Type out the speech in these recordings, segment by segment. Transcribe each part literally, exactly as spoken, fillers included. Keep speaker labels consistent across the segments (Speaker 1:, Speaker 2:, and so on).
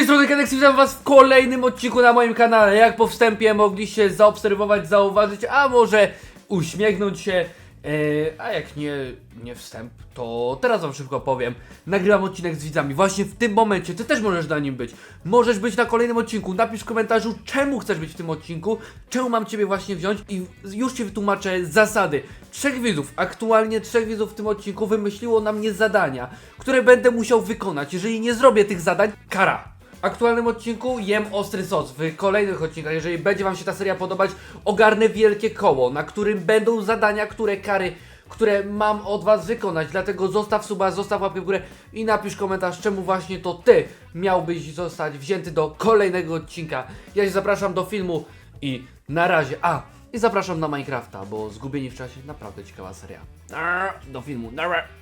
Speaker 1: strony Kenex, witam was w kolejnym odcinku na moim kanale. Jak po wstępie mogliście zaobserwować, zauważyć, a może uśmiechnąć się, yy, a jak nie, nie wstęp, to teraz wam szybko powiem. Nagrywam odcinek z widzami, właśnie w tym momencie, ty też możesz na nim być. Możesz być na kolejnym odcinku, napisz w komentarzu, czemu chcesz być w tym odcinku, czemu mam ciebie właśnie wziąć i już ci wytłumaczę zasady. Trzech widzów, aktualnie trzech widzów w tym odcinku wymyśliło na mnie zadania, które będę musiał wykonać. Jeżeli nie zrobię tych zadań, kara. W aktualnym odcinku jem ostry sos. W kolejnych odcinkach, jeżeli będzie wam się ta seria podobać, ogarnę wielkie koło, na którym będą zadania, które kary, które mam od was wykonać. Dlatego zostaw suba, zostaw łapkę w górę i napisz komentarz, czemu właśnie to ty miałbyś zostać wzięty do kolejnego odcinka. Ja się zapraszam do filmu i na razie. A, i zapraszam na Minecrafta, bo Zgubieni w czasie naprawdę ciekawa seria. Do filmu.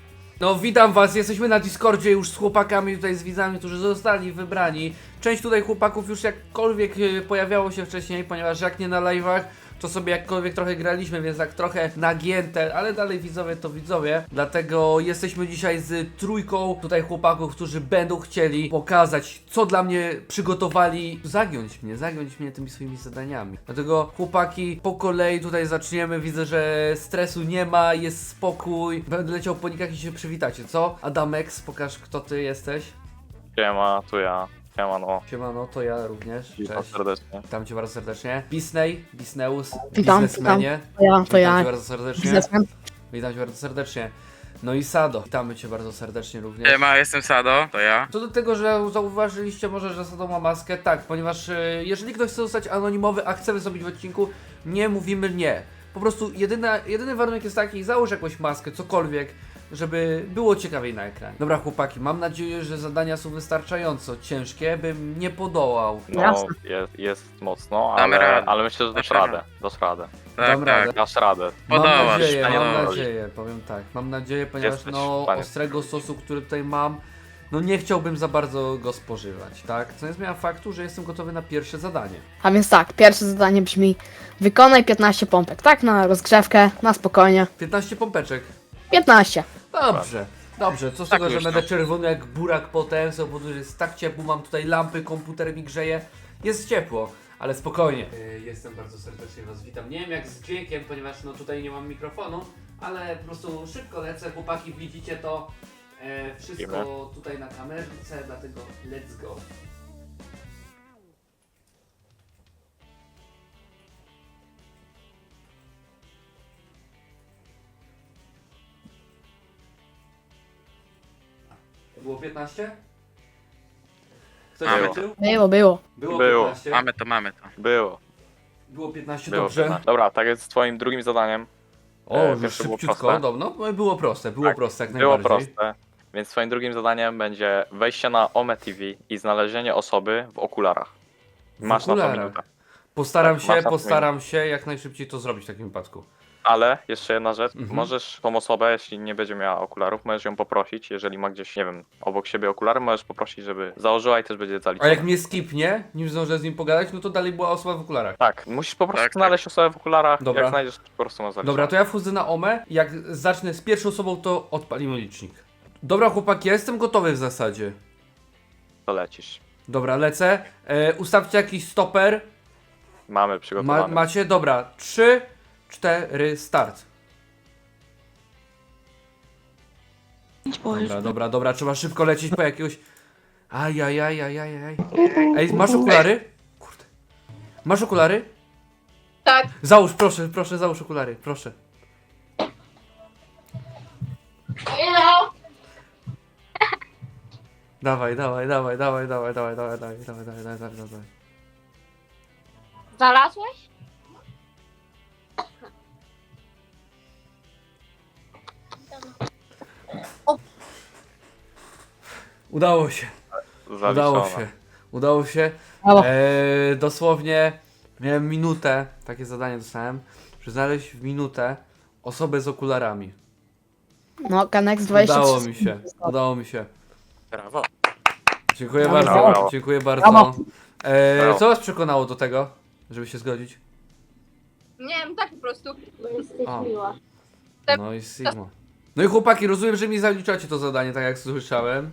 Speaker 1: No witam was, jesteśmy na Discordzie już z chłopakami tutaj, z widzami, którzy zostali wybrani. Część tutaj chłopaków już jakkolwiek pojawiało się wcześniej, ponieważ jak nie na live'ach, to sobie jakkolwiek trochę graliśmy, więc tak trochę nagięte, ale dalej widzowie to widzowie. Dlatego jesteśmy dzisiaj z trójką tutaj chłopaków, którzy będą chcieli pokazać, co dla mnie przygotowali. Zagiąć mnie, zagiąć mnie tymi swoimi zadaniami. Dlatego chłopaki, po kolei tutaj zaczniemy. Widzę, że stresu nie ma, jest spokój. Będę leciał po nikach i się przywitacie, co? Adamex, pokaż, kto ty jesteś.
Speaker 2: Siema, tu ja. Siema, no.
Speaker 1: Siemano, to ja również.
Speaker 2: Witam
Speaker 1: Cześć.
Speaker 2: serdecznie.
Speaker 1: Witam cię bardzo serdecznie. Bisney, Bisneus,
Speaker 3: Witam,
Speaker 1: biznesmenie.
Speaker 3: To ja, to
Speaker 1: Witam
Speaker 3: ja.
Speaker 1: cię bardzo serdecznie.
Speaker 3: Biznesmen.
Speaker 1: Witam cię bardzo serdecznie. No i Sado, witamy cię bardzo serdecznie również.
Speaker 4: Siema, jestem Sado, to ja.
Speaker 1: Co do tego, że zauważyliście może, że Sado ma maskę, tak, ponieważ e, jeżeli ktoś chce zostać anonimowy, a chce wystąpić w odcinku, nie mówimy nie. Po prostu jedyna, jedyny warunek jest taki, załóż jakąś maskę, cokolwiek, żeby było ciekawiej na ekranie. Dobra chłopaki, mam nadzieję, że zadania są wystarczająco ciężkie, bym nie podołał.
Speaker 2: No,
Speaker 3: Jasne.
Speaker 2: jest, jest mocno,
Speaker 4: Damy
Speaker 2: ale,
Speaker 4: radę.
Speaker 2: ale myślę, że dasz
Speaker 4: Dasz radę.
Speaker 2: radę. Dasz radę.
Speaker 4: Tak,
Speaker 1: Dam radę.
Speaker 4: tak.
Speaker 2: Dasz radę.
Speaker 1: Mam
Speaker 4: Podołasz,
Speaker 1: nadzieję,
Speaker 4: panie
Speaker 1: mam
Speaker 4: Donald.
Speaker 1: nadzieję, powiem tak, mam nadzieję, ponieważ
Speaker 2: Jesteś
Speaker 1: no
Speaker 2: w stanie.
Speaker 1: ostrego sosu, który tutaj mam, no nie chciałbym za bardzo go spożywać, tak? Co nie zmienia faktu, że jestem gotowy na pierwsze zadanie.
Speaker 3: A więc tak, pierwsze zadanie brzmi: wykonaj piętnaście pompek, tak? Na rozgrzewkę, na spokojnie.
Speaker 1: piętnaście pompeczek.
Speaker 3: piętnaście.
Speaker 1: Dobrze, dobrze, co z
Speaker 4: Tak
Speaker 1: tego, że
Speaker 4: już
Speaker 1: będę
Speaker 4: to.
Speaker 1: czerwony jak burak potem, z powodu, że jest tak ciepło, mam tutaj lampy, komputer mi grzeje, jest ciepło, ale spokojnie. Yy, jestem bardzo serdecznie was witam, nie wiem jak z dźwiękiem, ponieważ no tutaj nie mam mikrofonu, ale po prostu szybko lecę, chłopaki, widzicie to, e, wszystko
Speaker 2: Widzimy.
Speaker 1: tutaj na kamerce, dlatego let's go. Było piętnaście? Ktoś
Speaker 4: Mamy.
Speaker 1: liczył?
Speaker 3: Było, było.
Speaker 1: Było,
Speaker 2: Było.
Speaker 1: piętnaście.
Speaker 4: Mamy to, mamy to.
Speaker 2: Było.
Speaker 1: Było piętnaście,
Speaker 2: Było.
Speaker 1: dobrze.
Speaker 2: piętnaście. Dobra, tak jest z twoim drugim zadaniem.
Speaker 1: O,
Speaker 2: E,
Speaker 1: już
Speaker 2: pierwsze było
Speaker 1: szybciutko,
Speaker 2: proste.
Speaker 1: no, no było proste, było
Speaker 2: Tak,
Speaker 1: proste jak
Speaker 2: Było
Speaker 1: najbardziej.
Speaker 2: proste. Więc twoim drugim zadaniem będzie wejście na Ome T V i znalezienie osoby w okularach.
Speaker 1: W
Speaker 2: Masz na to
Speaker 1: okularach.
Speaker 2: minutę.
Speaker 1: Postaram
Speaker 2: Tak,
Speaker 1: się,
Speaker 2: masz na to
Speaker 1: postaram się jak najszybciej to zrobić w takim wypadku.
Speaker 2: Ale jeszcze jedna rzecz,
Speaker 1: Mhm.
Speaker 2: możesz tą osobę, jeśli nie będzie miała okularów, możesz ją poprosić, jeżeli ma gdzieś, nie wiem, obok siebie okulary, możesz poprosić, żeby założyła i też będzie
Speaker 1: A
Speaker 2: zaliczone.
Speaker 1: jak mnie skipnie, nim zdążę z nim pogadać, no to dalej była osoba w okularach.
Speaker 2: Tak, musisz po prostu
Speaker 4: Tak, tak.
Speaker 2: znaleźć osobę w okularach,
Speaker 1: Dobra.
Speaker 2: jak znajdziesz, to po prostu ma zaliczone.
Speaker 1: Dobra, to ja wchodzę na Omę, jak zacznę z pierwszą osobą, to odpalimy licznik. Dobra chłopaki, ja jestem gotowy w zasadzie.
Speaker 2: To lecisz.
Speaker 1: Dobra, lecę. E, ustawcie jakiś stoper.
Speaker 2: Mamy
Speaker 1: Ma,
Speaker 2: przygotowane.
Speaker 1: macie, dobra. trzy, cztery, start. Dobra, dobra, dobra, trzeba szybko lecieć po jakiegoś... Ajajajajajaj. Ej, masz okulary? Kurde. Masz okulary?
Speaker 5: Tak.
Speaker 1: Załóż, proszę, proszę, załóż okulary, proszę.
Speaker 5: Hello.
Speaker 1: Dawaj, dawaj, dawaj, dawaj, dawaj, dawaj, dawaj, dawaj, dawaj, dawaj, dawaj, dawaj, dawaj.
Speaker 5: Znalazłeś?
Speaker 1: Udało się,
Speaker 2: Zaliczone.
Speaker 1: udało się, udało się.
Speaker 3: Brawo.
Speaker 1: Eee, dosłownie miałem minutę, takie zadanie dostałem, że znaleźć w minutę osobę z okularami.
Speaker 3: No, Kanex dwadzieścia trzy.
Speaker 1: Udało mi się, udało mi się.
Speaker 4: Brawo.
Speaker 1: Dziękuję
Speaker 3: Brawo.
Speaker 1: bardzo,
Speaker 2: Brawo.
Speaker 1: dziękuję bardzo.
Speaker 3: Brawo.
Speaker 1: Eee,
Speaker 2: Brawo.
Speaker 1: co was przekonało do tego, żeby się zgodzić?
Speaker 5: Nie wiem, tak po prostu. Bo jesteś
Speaker 1: A.
Speaker 5: miła.
Speaker 1: No i Sigma. No i chłopaki, rozumiem, że mi zaliczacie to zadanie, tak jak słyszałem.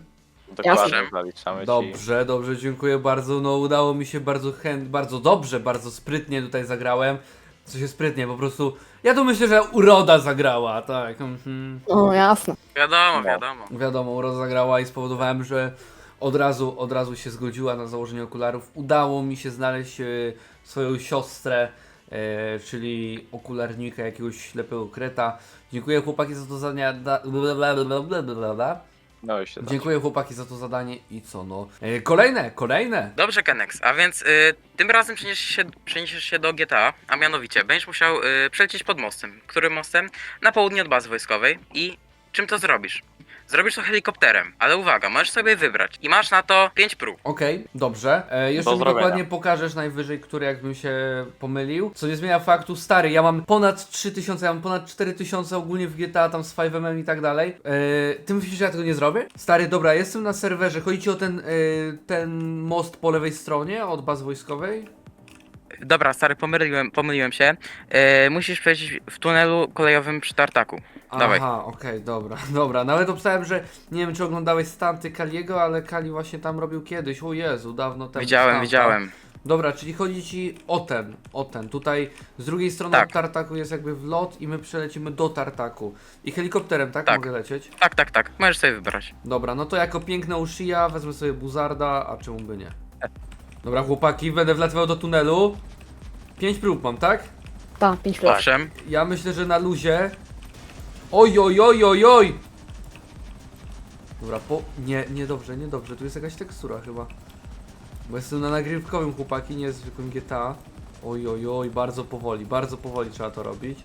Speaker 2: Dokładnie,
Speaker 4: Jasne.
Speaker 2: zaliczamy ci.
Speaker 1: Dobrze, dobrze, dziękuję bardzo. No udało mi się bardzo chęt, bardzo dobrze, bardzo sprytnie tutaj zagrałem. Co się sprytnie, po prostu. Ja tu myślę, że uroda zagrała, tak. Mhm.
Speaker 3: No jasne.
Speaker 4: Wiadomo,
Speaker 2: No.
Speaker 4: wiadomo.
Speaker 1: Wiadomo, uroda zagrała i spowodowałem, że od razu, od razu się zgodziła na założenie okularów. Udało mi się znaleźć e, swoją siostrę, e, czyli okularnika, jakiegoś ślepego kreta. Dziękuję chłopaki za to zadanie. Da, bla, bla, bla, bla, bla, bla.
Speaker 2: No i się da.
Speaker 1: Dziękuję chłopaki za to zadanie i co no. E, kolejne, kolejne.
Speaker 4: Dobrze, Kenex, a więc y, tym razem przeniesiesz się, przeniesiesz się do G T A, a mianowicie będziesz musiał y, przelecieć pod mostem. Którym mostem? Na południe od bazy wojskowej. I czym to zrobisz? Zrobisz to helikopterem, ale uwaga, możesz sobie wybrać i masz na to pięć prób.
Speaker 1: Okej, dobrze. E, jeszcze
Speaker 2: Do
Speaker 1: mi
Speaker 2: zrobienia.
Speaker 1: dokładnie pokażesz najwyżej, który jakbym się pomylił. Co nie zmienia faktu, stary, ja mam ponad trzy tysiące, ja mam ponad cztery tysiące ogólnie w G T A, tam z five M M i tak dalej. E, ty myślisz, że ja tego nie zrobię? Stary, dobra, jestem na serwerze. Chodzi ci o ten, e, ten most po lewej stronie od bazy wojskowej?
Speaker 4: Dobra, stary, pomyliłem, pomyliłem się. Y, musisz przejść w tunelu kolejowym przy tartaku. Dawaj.
Speaker 1: Aha, okej, dobra, dobra. Nawet obstałem, że nie wiem, czy oglądałeś stanty Kaliego, ale Kali właśnie tam robił kiedyś. O Jezu, dawno temu.
Speaker 4: Widziałem,
Speaker 1: stanta.
Speaker 4: widziałem.
Speaker 1: Dobra, czyli chodzi ci o ten, o ten. Tutaj z drugiej strony
Speaker 4: Tak.
Speaker 1: od tartaku jest jakby wlot i my przelecimy do tartaku. I helikopterem, tak?
Speaker 4: Tak.
Speaker 1: Mogę lecieć?
Speaker 4: Tak, tak, tak. Możesz sobie wybrać.
Speaker 1: Dobra, no to jako piękna Ushia wezmę sobie Buzarda, a czemu by nie? Dobra, chłopaki, będę wlatywał do tunelu. Pięć prób mam, tak?
Speaker 3: Ta, pięć plus.
Speaker 4: Owszem.
Speaker 1: Ja myślę, że na luzie. Oj, oj, oj, oj, oj! Dobra, po... Nie, nie dobrze, nie dobrze. Tu jest jakaś tekstura chyba. Bo jestem na nagrywkowym, chłopaki, nie zwykłym G T A. Oj, oj, oj, bardzo powoli, bardzo powoli trzeba to robić.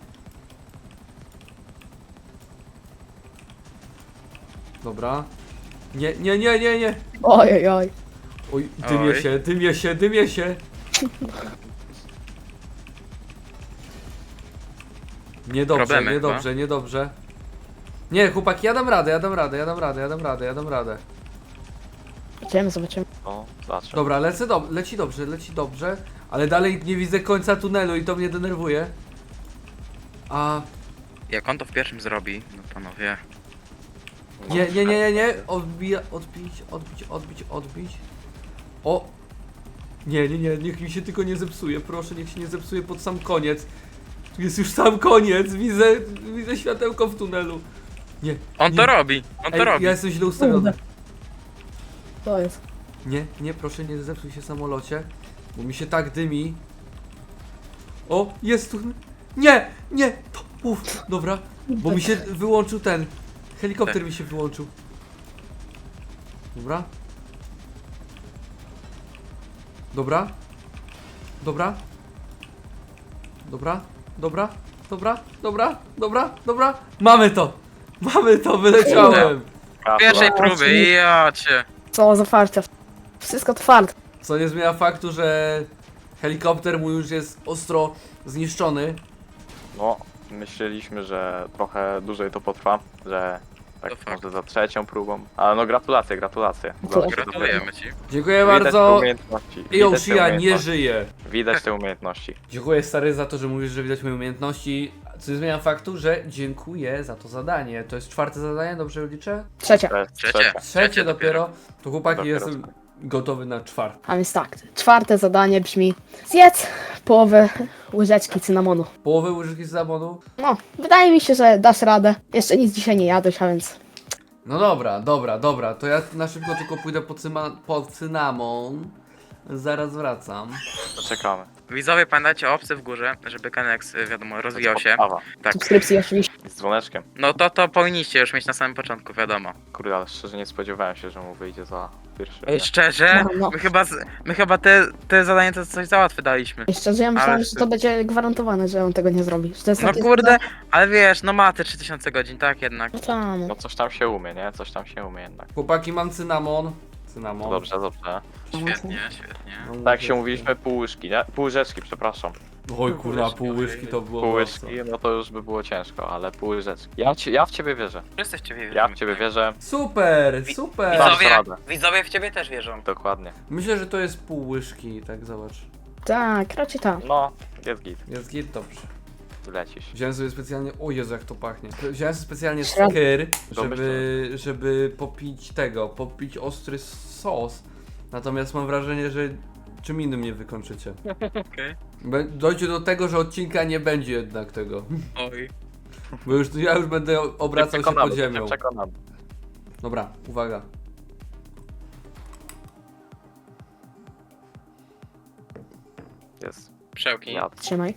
Speaker 1: Dobra. Nie, nie, nie, nie, nie!
Speaker 3: Oj, oj, oj.
Speaker 1: Oj, dymie
Speaker 4: Oj.
Speaker 1: się, dymie się, dymie się! Niedobrze,
Speaker 4: Problemy
Speaker 1: niedobrze, niedobrze. Nie, chłopaki, ja dam radę, ja dam radę, ja dam radę, ja dam radę, ja dam radę.
Speaker 3: Zobaczymy, zobaczymy.
Speaker 2: No, zacznę.
Speaker 1: Dobra, lecę do leci dobrze, leci dobrze, ale dalej nie widzę końca tunelu i to mnie denerwuje. A
Speaker 4: Jak on to w pierwszym zrobi, no panowie.
Speaker 2: No,
Speaker 1: nie, nie, nie, nie, nie, odbija, odbić, odbić, odbić, odbić. O! Nie, nie, nie, niech mi się tylko nie zepsuje, proszę, niech się nie zepsuje pod sam koniec. Tu jest już sam koniec, widzę, widzę światełko w tunelu. Nie,
Speaker 4: On
Speaker 1: nie.
Speaker 4: to robi, on to
Speaker 1: Ej,
Speaker 4: robi.
Speaker 1: ja jestem źle ustawiony.
Speaker 3: To jest.
Speaker 1: Nie, nie, proszę nie zepsuj się samolocie, bo mi się tak dymi. O, jest tu. Nie, nie, to, uff, dobra, bo mi się wyłączył ten, helikopter mi się wyłączył. Dobra. Dobra. Dobra. Dobra, dobra, dobra, dobra, dobra, dobra. Mamy to! Mamy to, wyleciałem!
Speaker 4: Pierwszej
Speaker 2: Gratulacje.
Speaker 4: próby, ja cię.
Speaker 3: Co za farcia. Wszystko twarde.
Speaker 1: Co nie zmienia faktu, że helikopter mój już jest ostro zniszczony.
Speaker 2: No, myśleliśmy, że trochę dłużej to potrwa, że tak
Speaker 4: To fakt.
Speaker 2: może za trzecią próbą. Ale no gratulacje, gratulacje.
Speaker 3: Gratulacje.
Speaker 4: Gratulujemy ci.
Speaker 1: Dziękuję
Speaker 2: Widać te
Speaker 1: bardzo.
Speaker 2: umiejętności.
Speaker 1: I
Speaker 2: Widać te
Speaker 1: Shia nie
Speaker 2: umiejętności.
Speaker 1: żyje.
Speaker 2: Widać te umiejętności.
Speaker 1: Dziękuję stary za to, że mówisz, że widać moje umiejętności. Co nie zmienia faktu, że dziękuję za to zadanie. To jest czwarte zadanie, dobrze liczę?
Speaker 3: Trzecie.
Speaker 2: To jest
Speaker 4: Trzecie.
Speaker 2: trzecia.
Speaker 1: Trzecie dopiero. To chłopaki,
Speaker 2: Dopiero
Speaker 1: jestem gotowy na czwarte.
Speaker 3: A więc tak, czwarte zadanie brzmi: zjedz połowę łyżeczki cynamonu.
Speaker 1: Połowę łyżki z zabonu.
Speaker 3: No, wydaje mi się, że dasz radę. Jeszcze nic dzisiaj nie jadłeś, a więc
Speaker 1: No dobra, dobra, dobra. To ja na szybko tylko pójdę po, cyma, po cynamon. Zaraz wracam.
Speaker 2: Poczekamy.
Speaker 4: Widzowie, pamiętajcie o opcji w górze, żeby Kenex, y, wiadomo, rozwijał się.
Speaker 2: Podstawa.
Speaker 4: Tak.
Speaker 3: subskrypcji oczywiście.
Speaker 2: Z dzwoneczkiem.
Speaker 4: No to to powinniście już mieć na samym początku, wiadomo.
Speaker 2: Kurde, ale szczerze nie spodziewałem się, że mu wyjdzie za pierwszy.
Speaker 4: Ej, szczerze,
Speaker 3: No, no.
Speaker 4: my chyba, z, my chyba te, te zadanie to coś załatwe daliśmy.
Speaker 3: I szczerze, ja myślałem,
Speaker 4: Ale-
Speaker 3: że to będzie gwarantowane, że on tego nie zrobi. Że to jest
Speaker 4: No
Speaker 3: takie-
Speaker 4: kurde, ale wiesz, no ma te trzy tysiące godzin, tak jednak.
Speaker 3: No tam.
Speaker 2: No coś tam się umie, nie? Coś tam się umie jednak.
Speaker 1: Chłopaki, mam cynamon. Cynamon.
Speaker 2: Dobrze, dobrze.
Speaker 4: Świetnie, świetnie.
Speaker 1: No,
Speaker 2: Tak jak się mówiliśmy, pół łyżki, nie? Pół łyżeczki, przepraszam.
Speaker 1: Oj kurwa, pół łyżki to było
Speaker 2: Pół
Speaker 1: mocno.
Speaker 2: łyżki, no to już by było ciężko, ale pół łyżeczki. Ja, ci, ja w ciebie wierzę.
Speaker 4: Wszyscy w ciebie
Speaker 2: Ja w ciebie wierzę.
Speaker 1: Super,
Speaker 4: Wi-
Speaker 1: super.
Speaker 2: Dasz
Speaker 4: Widzowie,
Speaker 2: radę.
Speaker 4: widzowie w ciebie też wierzą.
Speaker 2: Dokładnie.
Speaker 1: Myślę, że to jest pół łyżki, tak zobacz.
Speaker 3: Tak, raczej tak.
Speaker 2: No, jest git.
Speaker 1: Jest git, dobrze.
Speaker 2: lecisz.
Speaker 1: Wziąłem sobie specjalnie, o Jezu jak to pachnie. Wziąłem sobie specjalnie
Speaker 3: Środ-
Speaker 1: skyr,
Speaker 2: Domyślam
Speaker 1: żeby, żeby popić tego, popić ostry sos. Natomiast mam wrażenie, że czym innym nie wykończycie.
Speaker 4: Okej.
Speaker 1: Be- Dojdzie do tego, że odcinka nie będzie jednak tego.
Speaker 4: Oj.
Speaker 1: Bo już, ja już będę obracał się
Speaker 2: Przekonany,
Speaker 1: pod ziemią.
Speaker 2: jestem przekonany.
Speaker 1: Dobra, uwaga.
Speaker 2: Jest.
Speaker 4: Przełki.
Speaker 2: Ja.
Speaker 3: Trzymaj.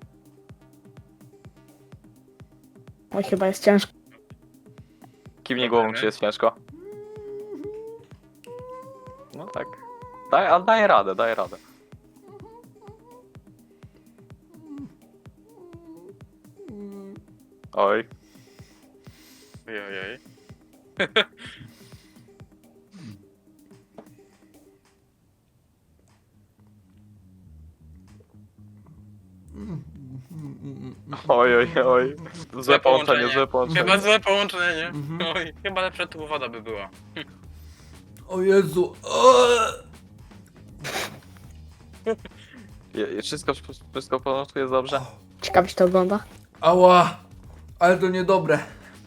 Speaker 3: Oj, chyba jest ciężko.
Speaker 2: Kiwnie głową, czy jest ciężko? No tak. Daj, ale daję radę, daję radę. Oj.
Speaker 4: Ojej, ojej.
Speaker 2: Oj, oj, oj. Złe połączenie, złe połączenie.
Speaker 4: Chyba złe połączenie.
Speaker 1: Mhm.
Speaker 4: Oj, chyba lepsza tu woda by była.
Speaker 1: O Jezu. Eee!
Speaker 2: Je- je- Wszystko, wszystko w porządku, jest dobrze?
Speaker 3: Ciekawie się to ogląda.
Speaker 1: Ała. Ale to niedobre.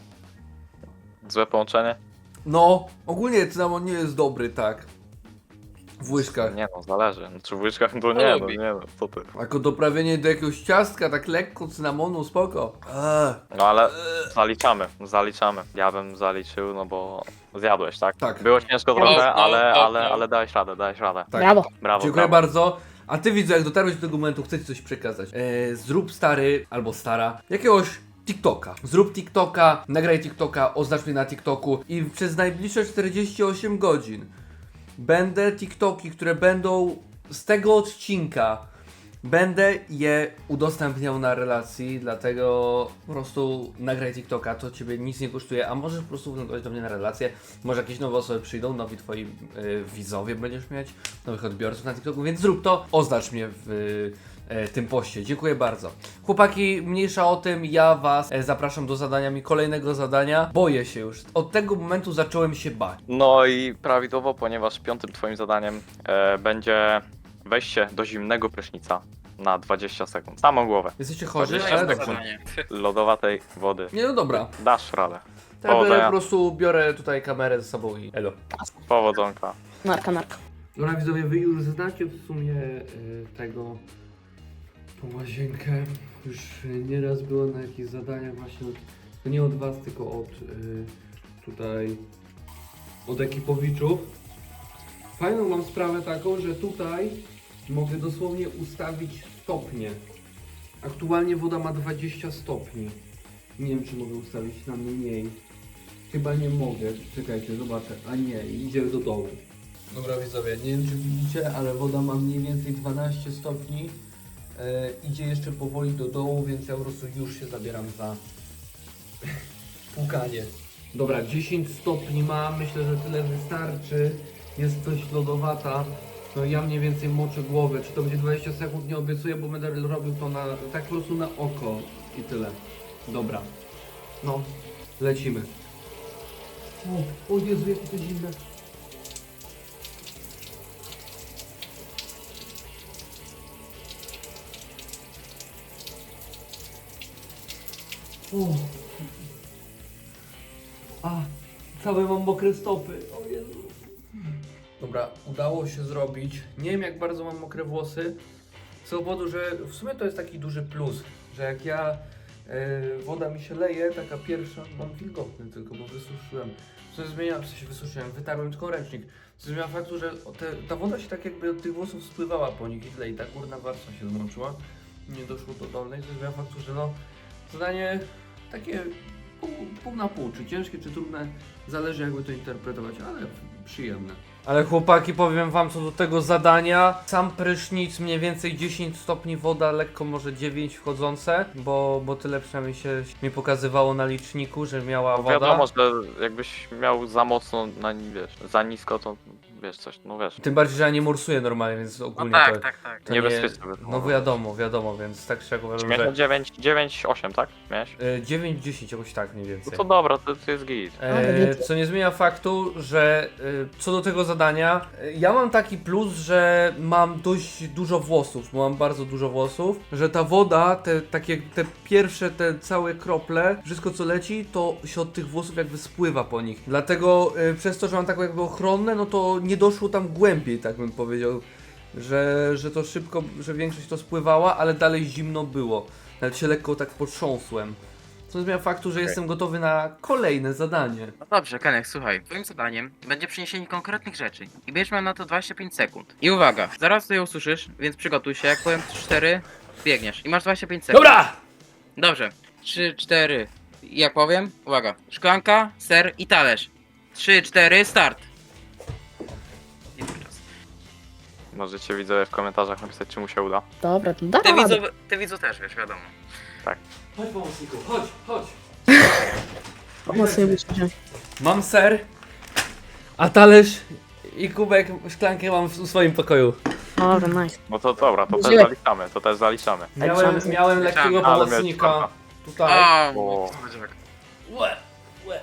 Speaker 2: Złe połączenie?
Speaker 1: No, ogólnie cynamon nie jest dobry, tak. W łyżkach.
Speaker 2: Nie no, zależy. No, czy w łyczkach to nie, no
Speaker 4: lubi.
Speaker 2: nie no, co ty.
Speaker 1: Jako doprawienie do jakiegoś ciastka, tak lekko cynamonu, spoko. Eee.
Speaker 2: No ale zaliczamy, zaliczamy. Ja bym zaliczył, no bo zjadłeś, tak?
Speaker 1: Tak.
Speaker 2: Było ciężko
Speaker 4: No,
Speaker 2: trochę,
Speaker 4: no,
Speaker 2: ale,
Speaker 4: no,
Speaker 2: ale,
Speaker 4: no.
Speaker 2: ale dałeś radę, dałeś radę.
Speaker 1: Tak.
Speaker 3: Brawo.
Speaker 2: Brawo,
Speaker 1: Dziękuję
Speaker 2: brawo.
Speaker 1: bardzo. A ty widzę, jak dotarłeś do tego momentu, chcę ci coś przekazać. Eee, zrób stary albo stara jakiegoś TikToka. Zrób TikToka, nagraj TikToka, oznacz mnie na TikToku i przez najbliższe czterdzieści osiem godzin będę TikToki, które będą z tego odcinka, będę je udostępniał na relacji, dlatego po prostu nagraj TikToka, to ciebie nic nie kosztuje, a możesz po prostu wlądować do mnie na relację, może jakieś nowe osoby przyjdą, nowi twoi y, widzowie będziesz mieć, nowych odbiorców na TikToku, więc zrób to, oznacz mnie w y, tym poście. Dziękuję bardzo. Chłopaki, mniejsza o tym, ja was e, zapraszam do zadania mi kolejnego zadania. Boję się już. Od tego momentu zacząłem się bać.
Speaker 2: No i prawidłowo, ponieważ piątym twoim zadaniem e, będzie wejście do zimnego prysznica na dwadzieścia sekund. Samą głowę.
Speaker 1: Jesteście chorzy,
Speaker 2: Dwadzieścia
Speaker 1: ale
Speaker 2: sekund.
Speaker 1: dobrze.
Speaker 4: Zadanie.
Speaker 2: Lodowatej wody.
Speaker 1: Nie, no dobra.
Speaker 2: Dasz radę.
Speaker 1: To ja
Speaker 2: Powodzenia.
Speaker 1: po prostu biorę tutaj kamerę ze sobą i elo.
Speaker 2: Powodzonka.
Speaker 3: Narka, narka.
Speaker 1: Dobra widzowie, wy już znacie w sumie y, tego, tą łazienkę. Już y, nieraz było na jakichś zadaniach właśnie od, to nie od was, tylko od y, tutaj, od ekipowiczów. Fajną mam sprawę taką, że tutaj mogę dosłownie ustawić stopnie. Aktualnie woda ma dwadzieścia stopni. Nie wiem, czy mogę ustawić na mniej. Chyba nie mogę. Czekajcie, zobaczę. A nie, idzie do dołu. Dobra widzowie, nie wiem czy widzicie, ale woda ma mniej więcej dwanaście stopni. E, idzie jeszcze powoli do dołu, więc ja po prostu już się zabieram za płukanie. Dobra, dziesięć stopni ma, myślę, że tyle wystarczy. Jest dość lodowata. No ja mniej więcej moczę głowę. Czy to będzie dwadzieścia sekund, nie obiecuję, bo będę robił to na, tak po prostu na oko i tyle. Dobra. No, lecimy. O, o Jezu, jakie to zimne. O. A, całe mam mokre stopy. O Jezu. Dobra, udało się zrobić. Nie wiem jak bardzo mam mokre włosy. Z powodu, że w sumie to jest taki duży plus, że jak ja e, woda mi się leje, taka pierwsza, mam wilgotny tylko, bo wysuszyłem. Co zmienia, w sensie wysuszyłem, wytarłem tylko ręcznik. Co zmienia faktu, że te, ta woda się tak jakby od tych włosów spływała po nich i tyle i ta górna warstwa się zmączyła. Nie doszło do dolnej, co zmienia faktu, że no zadanie takie pół, pół na pół, czy ciężkie, czy trudne, zależy jakby to interpretować, ale przyjemne. Ale chłopaki, powiem wam co do tego zadania, sam prysznic mniej więcej dziesięć stopni, woda lekko może dziewięć wchodzące, bo, bo tyle przynajmniej się mi pokazywało na liczniku, że miała woda.
Speaker 2: Wiadomo, że jakbyś miał za mocno, na, wiesz, za nisko, to wiesz coś, no wiesz.
Speaker 1: Tym bardziej, że ja nie morsuję normalnie, więc
Speaker 4: No
Speaker 1: ogólnie
Speaker 4: tak,
Speaker 1: to,
Speaker 4: tak, tak.
Speaker 1: to
Speaker 2: Niebezpieczne
Speaker 1: nie...
Speaker 2: by było.
Speaker 1: No wiadomo, wiadomo, więc tak szczerze
Speaker 2: Czy
Speaker 1: uważam,
Speaker 2: miałeś
Speaker 1: że
Speaker 2: dziewięć, dziewięć, osiem, tak? Miałeś?
Speaker 1: y, dziewięć dziesięć jakoś tak mniej
Speaker 2: No
Speaker 1: więcej.
Speaker 2: to dobra, to, to jest git.
Speaker 1: E, co nie zmienia faktu, że y, co do tego zadania, y, ja mam taki plus, że mam dość dużo włosów, bo mam bardzo dużo włosów, że ta woda, te takie, te pierwsze, te całe krople, wszystko co leci, to się od tych włosów jakby spływa po nich. Dlatego y, przez to, że mam taką jakby ochronne, no to nie doszło tam głębiej, tak bym powiedział, że, że to szybko, że większość to spływała, ale dalej zimno było. Nawet się lekko tak potrząsłem. Co nie zmienia faktu, że jestem gotowy na kolejne zadanie.
Speaker 4: No dobrze, Kenek, słuchaj. Twoim zadaniem będzie przyniesienie konkretnych rzeczy. I będziesz miał na to dwadzieścia pięć sekund. I uwaga, zaraz to je usłyszysz, więc przygotuj się. Jak powiem cztery, biegniesz. I masz dwadzieścia pięć sekund.
Speaker 1: Dobra!
Speaker 4: Dobrze. trzy, cztery. Jak powiem? Uwaga. Szklanka, ser i talerz. trzy, cztery, start. I czas.
Speaker 2: Możecie widzowie w komentarzach napisać, czy mu się uda.
Speaker 3: Dobra, to da
Speaker 4: Ty
Speaker 3: radę.
Speaker 4: widzu, ty widzu też, wiesz, wiadomo.
Speaker 1: Chodź pomocniku, chodź, chodź.
Speaker 3: Mocniej muszę wziąć.
Speaker 1: Mam ser, a talerz i kubek szklankę mam w w swoim pokoju.
Speaker 3: Dobra, nice.
Speaker 2: No to dobra, to też
Speaker 3: Żyję.
Speaker 2: zaliczamy, to też zaliczamy.
Speaker 1: Miałem,
Speaker 3: trzeba-
Speaker 1: miałem lekkiego
Speaker 2: Ale miałeś
Speaker 1: pomocnika
Speaker 2: farta.
Speaker 1: tutaj.
Speaker 4: O,
Speaker 2: O.
Speaker 4: słodziak.
Speaker 1: Łe, łe.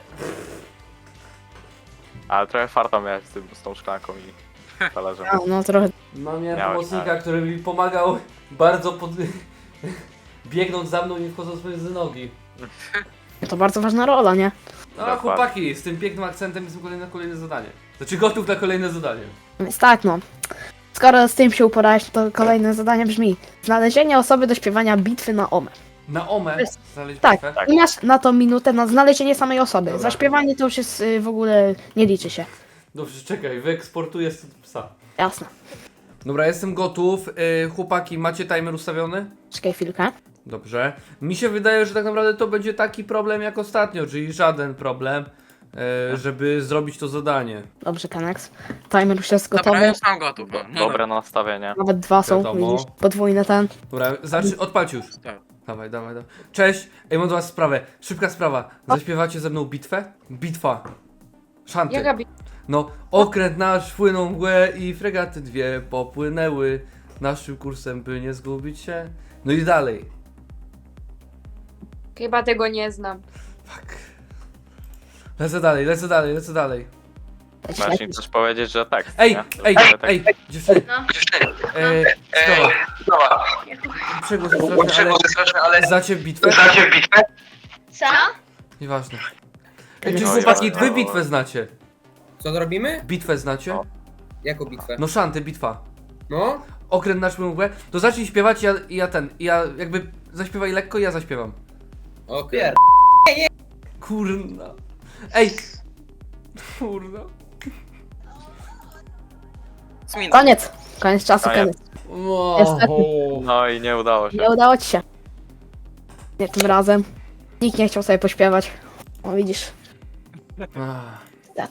Speaker 2: Ale trochę farta miałeś z, tym, z tą szklanką i talerzem.
Speaker 3: A, no trochę.
Speaker 1: No, miałem
Speaker 2: Miałeś,
Speaker 1: pomocnika,
Speaker 2: tak.
Speaker 1: który mi pomagał bardzo pod... biegnąc za mną i wchodząc między nogi.
Speaker 3: To bardzo ważna rola, nie?
Speaker 1: No
Speaker 2: Dokładnie.
Speaker 1: chłopaki, z tym pięknym akcentem jestem kolejny na kolejne zadanie. Znaczy gotów na kolejne zadanie.
Speaker 3: Więc tak, no. Skoro z tym się uporałeś, to kolejne zadanie brzmi: znalezienie osoby do śpiewania bitwy na Omę.
Speaker 1: Na Omę
Speaker 3: Jest-
Speaker 1: znaleźć
Speaker 3: Tak,
Speaker 1: bitwę?
Speaker 3: i masz na to minutę na znalezienie samej osoby.
Speaker 1: Dobra.
Speaker 3: Zaśpiewanie to już jest y, w ogóle nie liczy się.
Speaker 1: Dobrze, czekaj, wyeksportuję stąd psa.
Speaker 3: Jasne.
Speaker 1: Dobra, jestem gotów. Yy, chłopaki, macie timer ustawiony?
Speaker 3: Czekaj chwilkę.
Speaker 1: Dobrze. Mi się wydaje, że tak naprawdę to będzie taki problem jak ostatnio, czyli żaden problem, e, żeby zrobić to zadanie.
Speaker 3: Dobrze, Kanex. Timer już jest
Speaker 4: Dobra,
Speaker 3: gotowy.
Speaker 4: ja już mam gotów. No, no
Speaker 2: Dobre nastawienie.
Speaker 3: Nawet dwa są,
Speaker 1: Wiadomo.
Speaker 3: widzisz? Podwójny ten.
Speaker 1: Dobra, zacznij, odpalcie już.
Speaker 4: Tak.
Speaker 1: Dawaj, dawaj, dawaj. Cześć, ej, mam do was sprawę. Szybka sprawa. Zaśpiewacie ze mną bitwę? Bitwa. Szanty.
Speaker 5: Jaka bi...
Speaker 1: No, okręt nasz płynął mgłę i fregaty dwie popłynęły naszym kursem, by nie zgubić się. No i dalej.
Speaker 5: Chyba tego nie znam.
Speaker 1: Fuck. Lecę dalej, lecę dalej, lecę dalej.
Speaker 2: Masz im też powiedzieć, że tekst,
Speaker 1: Ej,
Speaker 2: nie?
Speaker 1: ej,
Speaker 2: Że
Speaker 1: ej, dziewczyny.
Speaker 5: No.
Speaker 1: E, sprawa. Przegłos jest straszny, ale znacie bitwę?
Speaker 5: Co?
Speaker 1: Nieważne. Ej, czy
Speaker 3: No,
Speaker 1: chłopaki,
Speaker 2: ja-
Speaker 1: wy bitwę znacie?
Speaker 6: Co zrobimy?
Speaker 1: Bitwę znacie?
Speaker 2: O.
Speaker 6: Jaką bitwę?
Speaker 1: No szanty, bitwa.
Speaker 6: No?
Speaker 1: Okręt nasz mgłę. To zacznij śpiewać, ja, ja ten, ja jakby zaśpiewaj lekko, ja zaśpiewam.
Speaker 6: Okej.
Speaker 1: Kurna. Ej! Kurna.
Speaker 4: Smin.
Speaker 3: Koniec. Koniec czasu,
Speaker 2: Koniec.
Speaker 3: koniec.
Speaker 1: O,
Speaker 3: Niestety.
Speaker 2: No i nie udało się.
Speaker 3: Nie udało ci się. Nie tym razem. Nikt nie chciał sobie pośpiewać. O, widzisz.
Speaker 1: Ach.
Speaker 3: Niestety.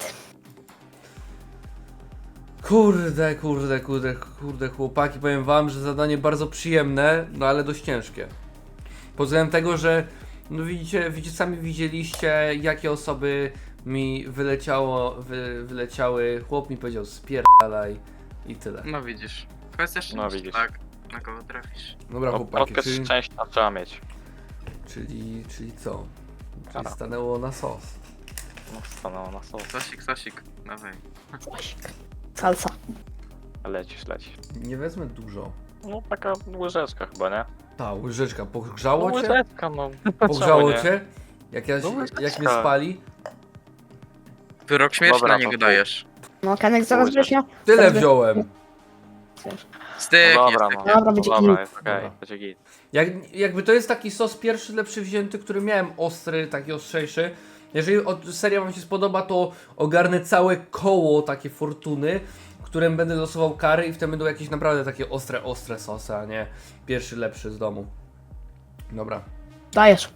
Speaker 1: Kurde, kurde, kurde, kurde, chłopaki, powiem wam, że zadanie bardzo przyjemne, no ale dość ciężkie. Pod względem tego, że no widzicie, widzicie, sami widzieliście, jakie osoby mi wyleciało, wy, wyleciały. Chłop mi powiedział spierdalaj i tyle.
Speaker 4: No widzisz. Kwestia szczęścia,
Speaker 2: No widzisz.
Speaker 4: tak. Na kogo trafisz.
Speaker 1: Dobra,
Speaker 2: No,
Speaker 1: chłopaki,
Speaker 2: trochę
Speaker 1: czyli,
Speaker 2: szczęścia trzeba mieć.
Speaker 1: czyli, czyli co? Czyli
Speaker 2: Dobra.
Speaker 1: stanęło na sos.
Speaker 2: No, stanęło na sos.
Speaker 4: Sosik, sosik. Dawaj.
Speaker 3: Coś. Salsa.
Speaker 2: Lecisz, lecisz.
Speaker 1: Nie wezmę dużo.
Speaker 2: No taka łyżeczka chyba, nie?
Speaker 1: Ta łyżeczka,
Speaker 2: No
Speaker 1: pogrzało cię?
Speaker 2: łyżeczka, no.
Speaker 1: Pogrzało
Speaker 2: Czemu nie?
Speaker 1: cię? Jak, ja,
Speaker 2: No
Speaker 1: się-
Speaker 2: łyżeczka.
Speaker 1: jak mnie spali?
Speaker 4: Wyrok śmierci
Speaker 2: Dobra,
Speaker 4: na niego
Speaker 2: to-
Speaker 4: dajesz.
Speaker 3: No, Kanek zaraz
Speaker 2: Pójdzie.
Speaker 3: weźmie.
Speaker 1: Tyle
Speaker 3: Wtedy-
Speaker 1: wziąłem.
Speaker 4: Styk,
Speaker 2: No
Speaker 4: jest
Speaker 2: dobra,
Speaker 4: tak.
Speaker 2: no.
Speaker 3: Dobra,
Speaker 2: No
Speaker 3: będzie
Speaker 2: dobra,
Speaker 3: git.
Speaker 2: jest okej,
Speaker 1: Dobra.
Speaker 2: będzie git.
Speaker 1: Jak, jakby to jest taki sos pierwszy, lepszy wzięty, który miałem ostry, taki ostrzejszy. Jeżeli od, seria wam się spodoba, to ogarnę całe koło takie fortuny, którym będę losował kary i wtedy będą jakieś naprawdę takie ostre, ostre sosy, a nie pierwszy, lepszy z domu. Dobra.
Speaker 3: Dajesz.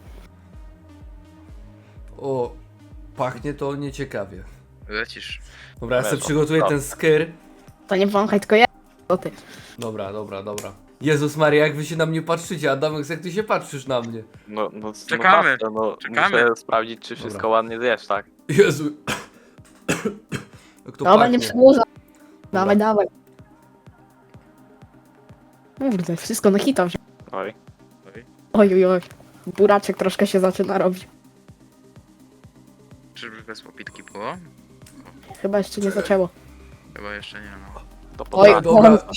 Speaker 1: O, pachnie to nieciekawie.
Speaker 4: Lecisz.
Speaker 1: Dobra, ja sobie
Speaker 2: Lewo.
Speaker 1: przygotuję ten skyr.
Speaker 3: To nie wąchaj, tylko ja. To ty.
Speaker 1: Dobra, dobra, dobra. Jezus Maria, jak wy się na mnie patrzycie, Adamek, jak ty się patrzysz na mnie?
Speaker 2: No, no,
Speaker 4: Czekamy,
Speaker 2: No, no,
Speaker 4: czekamy.
Speaker 2: Muszę sprawdzić, czy wszystko
Speaker 1: Dobra.
Speaker 2: ładnie zjesz, tak?
Speaker 1: Jezu. Jak to
Speaker 3: Dobra,
Speaker 1: pachnie.
Speaker 3: nie przedłuża. Dawaj, dawaj. Kurde, wszystko na hita wziął.
Speaker 2: Oj.
Speaker 3: Oj, oj, oj. Buraczek troszkę się zaczyna robić.
Speaker 4: Czyżby bez popitki było?
Speaker 3: Chyba jeszcze nie zaczęło.
Speaker 4: Chyba jeszcze nie, no.
Speaker 2: To
Speaker 3: Oj,
Speaker 2: potrafi.
Speaker 1: dobra.
Speaker 3: oj.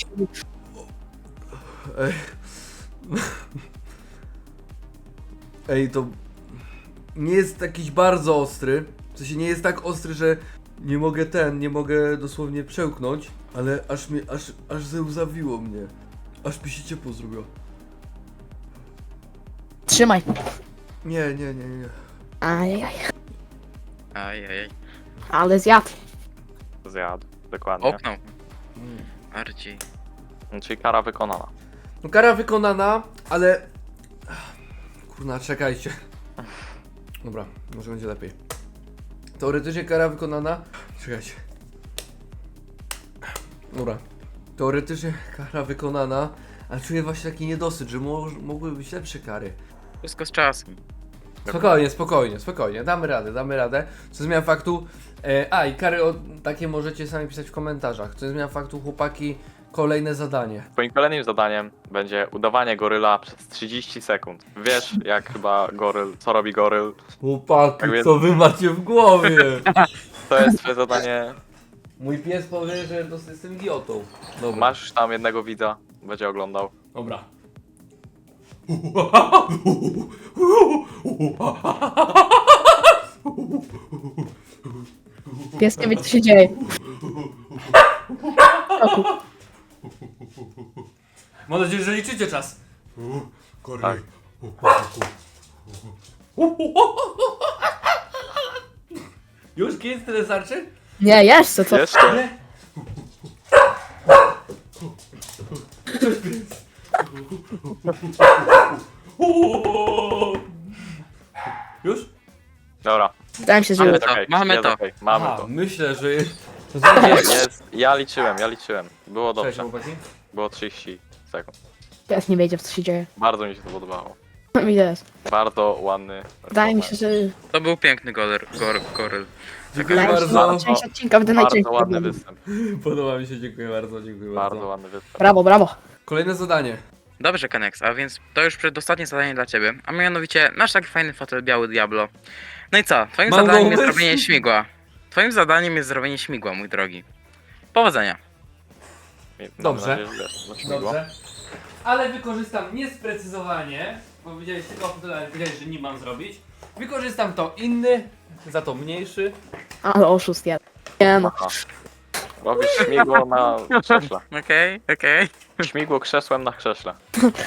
Speaker 1: Ej. Ej, to nie jest jakiś bardzo ostry. W sensie nie jest tak ostry, że nie mogę ten, nie mogę dosłownie przełknąć, ale aż mnie, aż, aż zełzawiło mnie. Aż mi się ciepło zrobiło.
Speaker 3: Trzymaj.
Speaker 1: Nie, nie, nie, nie.
Speaker 3: Ajajaj.
Speaker 4: Ajajaj.
Speaker 3: Ale zjadł.
Speaker 2: Zjadł, dokładnie.
Speaker 4: Oknął. Bardziej.
Speaker 2: Czyli kara wykonana.
Speaker 1: No kara wykonana, ale... Kurna, czekajcie. Dobra, może będzie lepiej. Teoretycznie kara wykonana... Czekajcie. Dobra. Teoretycznie kara wykonana, ale czuję właśnie taki niedosyt, że mo mogłyby być lepsze kary.
Speaker 4: Wszystko z czasem.
Speaker 1: Spokojnie, spokojnie, spokojnie. Damy radę, damy radę. Co zmian faktu... E, a, i kary o, takie możecie sami pisać w komentarzach. Co zmian faktu, chłopaki, kolejne zadanie.
Speaker 2: Twoim kolejnym zadaniem będzie udawanie goryla przez trzydzieści sekund. Wiesz, jak chyba goryl, co robi goryl.
Speaker 1: Chłopaki,
Speaker 2: Tak więc-
Speaker 1: co wy macie w głowie?
Speaker 2: To jest twoje zadanie.
Speaker 1: Mój pies powie, że to jestem idiotą. Dobra.
Speaker 2: Masz już tam jednego widza, będzie oglądał.
Speaker 1: Dobra.
Speaker 3: Pies nie wie, co się dzieje. Oku.
Speaker 1: Mam nadzieję, że liczycie czas.
Speaker 2: Tak.
Speaker 1: Już kiedy tyle starczy?
Speaker 3: Nie, jeszcze co?
Speaker 2: Jeszcze?
Speaker 1: Już?
Speaker 2: Dobra,
Speaker 3: Wydaje mi się, że
Speaker 4: Ale
Speaker 3: już.
Speaker 4: to,
Speaker 2: okej,
Speaker 4: mamy
Speaker 2: jest
Speaker 4: to.
Speaker 2: okej, mamy
Speaker 1: Aha,
Speaker 2: to.
Speaker 1: myślę, że...
Speaker 2: Jest, ja liczyłem, ja liczyłem. Było
Speaker 1: Cześć,
Speaker 2: dobrze,
Speaker 1: chłopaki.
Speaker 2: było trzydzieści sekund.
Speaker 3: Pies nie wiedział, co się dzieje.
Speaker 2: Bardzo mi się to podobało.
Speaker 3: Mi też.
Speaker 2: Bardzo ładny.
Speaker 3: Wydaje mi się, że...
Speaker 4: To był piękny goryl. Gor, goryl.
Speaker 1: Dziękuję
Speaker 3: Wydaje mi się, że
Speaker 1: bardzo.
Speaker 3: część odcinka będę
Speaker 2: Bardzo
Speaker 3: najczęściej.
Speaker 2: ładny
Speaker 3: oglądał.
Speaker 2: występ.
Speaker 1: Podoba mi się, dziękuję bardzo, dziękuję bardzo.
Speaker 2: Bardzo ładny występ.
Speaker 3: Brawo, brawo.
Speaker 1: Kolejne zadanie.
Speaker 4: Dobrze, Kanex, a więc to już przedostatnie zadanie dla ciebie. A mianowicie, masz taki fajny fotel biały Diablo. No i co? Twoim
Speaker 1: Mam
Speaker 4: zadaniem jest
Speaker 1: pomysł.
Speaker 4: zrobienie śmigła. Twoim zadaniem jest zrobienie śmigła, mój drogi. Powodzenia.
Speaker 2: Mam
Speaker 1: Dobrze.
Speaker 2: nadzieję, że wiesz, no śmigło.
Speaker 1: Dobrze. Ale wykorzystam niesprecyzowanie, bo widziałeś tylko fotel, wiedziałeś, że nie mam zrobić. Wykorzystam to inny, za to mniejszy.
Speaker 3: Ale oszust jeden. Nie no.
Speaker 2: Aha. Robisz śmigło na krześle.
Speaker 4: Okej, okej.
Speaker 2: Śmigło krzesłem na krześle.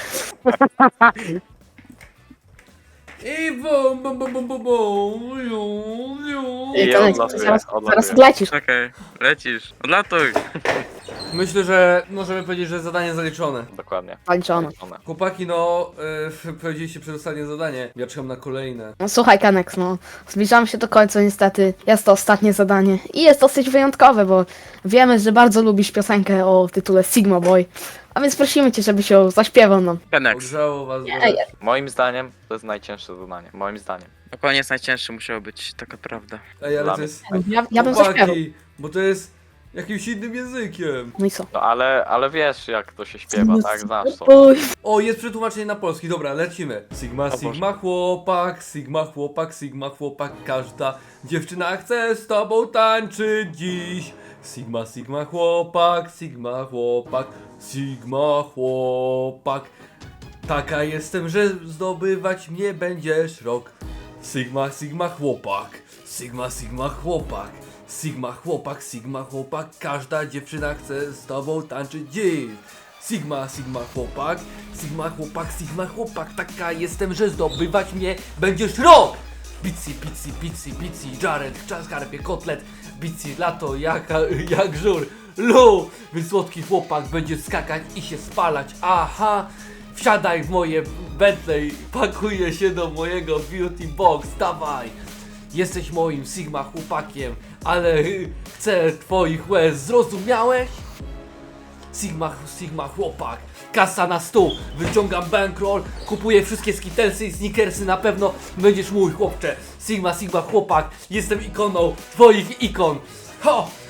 Speaker 1: I bum, bum, bum, bum, bum, bum, ju, ju.
Speaker 2: I
Speaker 3: to
Speaker 2: on
Speaker 3: leci,
Speaker 2: latuje,
Speaker 3: zaraz,
Speaker 2: odlatuje.
Speaker 3: zaraz lecisz.
Speaker 4: Okej, lecisz. Odlatuj.
Speaker 1: Myślę, że możemy powiedzieć, że zadanie zaliczone.
Speaker 2: Dokładnie.
Speaker 3: Zaliczone.
Speaker 2: Zaliczone.
Speaker 1: Chłopaki, no, yy, powiedzieliście przedostatnie zadanie. Ja czekam na kolejne.
Speaker 3: No słuchaj, Kanex, no. Zbliżamy się do końca niestety. Jest to ostatnie zadanie. I jest dosyć wyjątkowe, bo wiemy, że bardzo lubisz piosenkę o tytule Sigma Boy. A więc prosimy cię, żebyś ją zaśpiewał nam.
Speaker 4: Kanex.
Speaker 1: Ogrzało was.
Speaker 3: Nie,
Speaker 1: bo-
Speaker 3: nie.
Speaker 2: Moim zdaniem to jest najcięższe zadanie. Moim zdaniem.
Speaker 4: Na koniec najcięższy musiał być, taka prawda.
Speaker 1: Ej, ale
Speaker 2: Dla
Speaker 1: to
Speaker 2: mnie.
Speaker 1: jest...
Speaker 3: Ja, ja bym zaśpiewał.
Speaker 1: Chłopaki, bo to jest jakimś innym językiem.
Speaker 3: No i co?
Speaker 2: No ale, ale wiesz jak to się śpiewa, tak? Znasz to.
Speaker 3: Oj,
Speaker 1: O, jest przetłumaczenie na polski, dobra, lecimy. Sigma,
Speaker 2: Boże.
Speaker 1: Sigma chłopak, Sigma chłopak, Sigma chłopak, każda dziewczyna chce z tobą tańczyć dziś. Sigma, Sigma chłopak, Sigma chłopak, Sigma chłopak. Taka jestem, że zdobywać mnie będziesz rok. Sigma, Sigma chłopak, Sigma, Sigma chłopak, Sigma chłopak, Sigma chłopak, każda dziewczyna chce z tobą tańczyć dziś. Sigma, Sigma chłopak, Sigma chłopak, Sigma chłopak, taka jestem, że zdobywać mnie będziesz rok! Pizzi, pizzi, pizzi, pizzi, Jared, skarpie, kotlet, pizzi, lato, jak, jak żur, lu, wysłodki chłopak będzie skakać i się spalać, aha, wsiadaj w moje Bentley, pakuję się do mojego beauty box, dawaj, jesteś moim Sigma chłopakiem, ale chcę twoich łez, zrozumiałeś? Sigma, Sigma chłopak, kasa na stół, wyciągam bankroll, kupuję wszystkie skitelsy i sneakersy, na pewno będziesz mój chłopcze. Sigma, Sigma chłopak, jestem ikoną twoich ikon. Ho!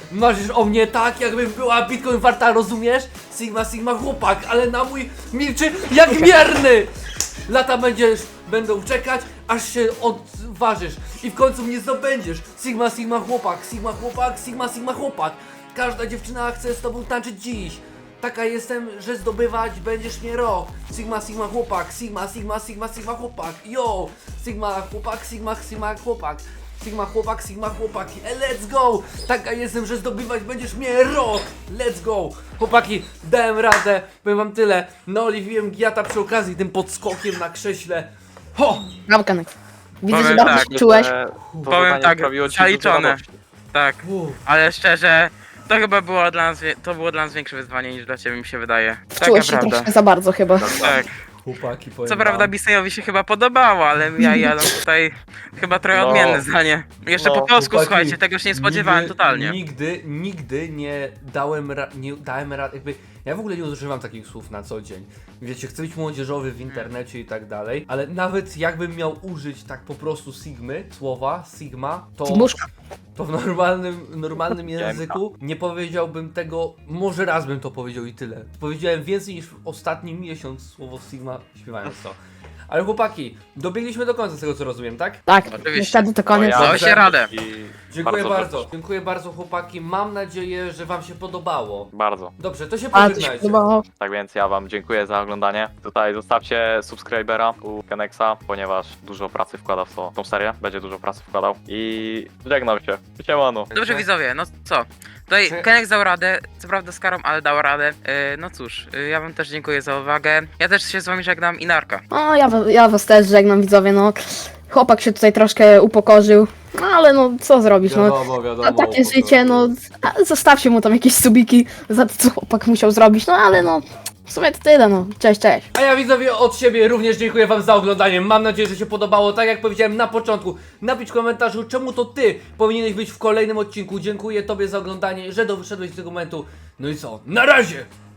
Speaker 1: Marzysz o mnie tak, jakbym była Bitcoin warta, rozumiesz? Sigma, Sigma chłopak, ale na mój milczy jak mierny! Lata będziesz, będą czekać, aż się odważysz i w końcu mnie zdobędziesz. Sigma, Sigma chłopak, Sigma chłopak, Sigma, Sigma chłopak. Każda dziewczyna chce z tobą tańczyć dziś. Taka jestem, że zdobywać będziesz mnie rok. Sigma, Sigma chłopak, Sigma, Sigma, Sigma, Sigma chłopak. Yo! Sigma chłopak, Sigma, Sigma chłopak. Sigma chłopak, Sigma chłopaki, e, let's go! Taka jestem, że zdobywać będziesz mnie rok! Let's go! Chłopaki, dałem radę, powiem wam tyle. Naoliwiłem Giata przy okazji tym podskokiem na krześle. Ho!
Speaker 3: Brawo, Kenex. Widzę,
Speaker 4: Powiem
Speaker 3: że dobrze
Speaker 4: tak,
Speaker 3: się czułeś.
Speaker 2: E, To
Speaker 4: Powiem
Speaker 2: zadanie
Speaker 4: tak,
Speaker 2: sprawiło ci dużo
Speaker 4: zaliczone.
Speaker 2: radości.
Speaker 4: Tak,
Speaker 1: Uff.
Speaker 4: ale szczerze, to chyba było dla nas, wie- to było dla nas większe wyzwanie niż dla ciebie, mi się wydaje. Taka
Speaker 3: Wczułeś się
Speaker 4: prawda.
Speaker 3: troszkę za bardzo chyba.
Speaker 4: Tak.
Speaker 1: Chłopaki, powiem
Speaker 4: Co prawda
Speaker 1: wam.
Speaker 4: Bisejowi się chyba podobało, ale ja i Adam tutaj chyba trochę
Speaker 2: No.
Speaker 4: odmienne zdanie. Jeszcze
Speaker 2: No,
Speaker 4: po polsku,
Speaker 1: Chłopaki,
Speaker 4: słuchajcie, tego się nie spodziewałem
Speaker 1: nigdy,
Speaker 4: totalnie.
Speaker 1: Nigdy, nigdy nie dałem ra- nie dałem rady, jakby, ja w ogóle nie używam takich słów na co dzień. Wiecie, chcę być młodzieżowy w internecie i tak dalej, ale nawet jakbym miał użyć tak po prostu Sigmy, słowa, Sigma, to...
Speaker 3: Sigmuszka.
Speaker 1: To w normalnym, normalnym
Speaker 2: Siemka.
Speaker 1: języku nie powiedziałbym tego, może raz bym to powiedział i tyle. Powiedziałem więcej niż w ostatni miesiąc słowo Sigma śpiewając to. Ale chłopaki, dobiegliśmy do końca z tego co rozumiem, tak?
Speaker 3: Tak,
Speaker 4: Oczywiście.
Speaker 3: niestety to koniec.
Speaker 2: ja-
Speaker 4: Dałeś się radę.
Speaker 2: I
Speaker 1: Dziękuję bardzo,
Speaker 2: bardzo.
Speaker 1: dziękuję bardzo chłopaki, mam nadzieję, że wam się podobało.
Speaker 2: Bardzo.
Speaker 1: Dobrze, to się
Speaker 3: Bardzo się
Speaker 1: pożegnajcie.
Speaker 3: podobało.
Speaker 2: Tak więc ja wam dziękuję za oglądanie. Tutaj zostawcie subskrybera u Kenexa, ponieważ dużo pracy wkładał w to, tą serię. Będzie dużo pracy wkładał. I żegnam się. Siemano.
Speaker 4: Dobrze widzowie, no co? Tutaj
Speaker 1: Czy-
Speaker 4: Kenex dał radę, co prawda z karą, ale dał radę. Yy, no cóż, yy, ja wam też dziękuję za uwagę. Ja też się z wami żegnam i narka.
Speaker 3: No, ja, wa- ja was też żegnam, widzowie, no. Chłopak się tutaj troszkę upokorzył, no ale no, co zrobisz, no.
Speaker 1: Wiadomo, wiadomo.
Speaker 3: A takie
Speaker 1: po
Speaker 3: życie, no,
Speaker 1: prostu.
Speaker 3: a zostawcie mu tam jakieś subiki za to, co chłopak musiał zrobić, no ale no, w sumie to tyle, no. Cześć, cześć.
Speaker 1: A ja widzowie od siebie również dziękuję wam za oglądanie. Mam nadzieję, że się podobało. Tak jak powiedziałem na początku, napisz w komentarzu, czemu to ty powinieneś być w kolejnym odcinku. Dziękuję tobie za oglądanie, że doszedłeś do tego momentu. No i co? Na razie!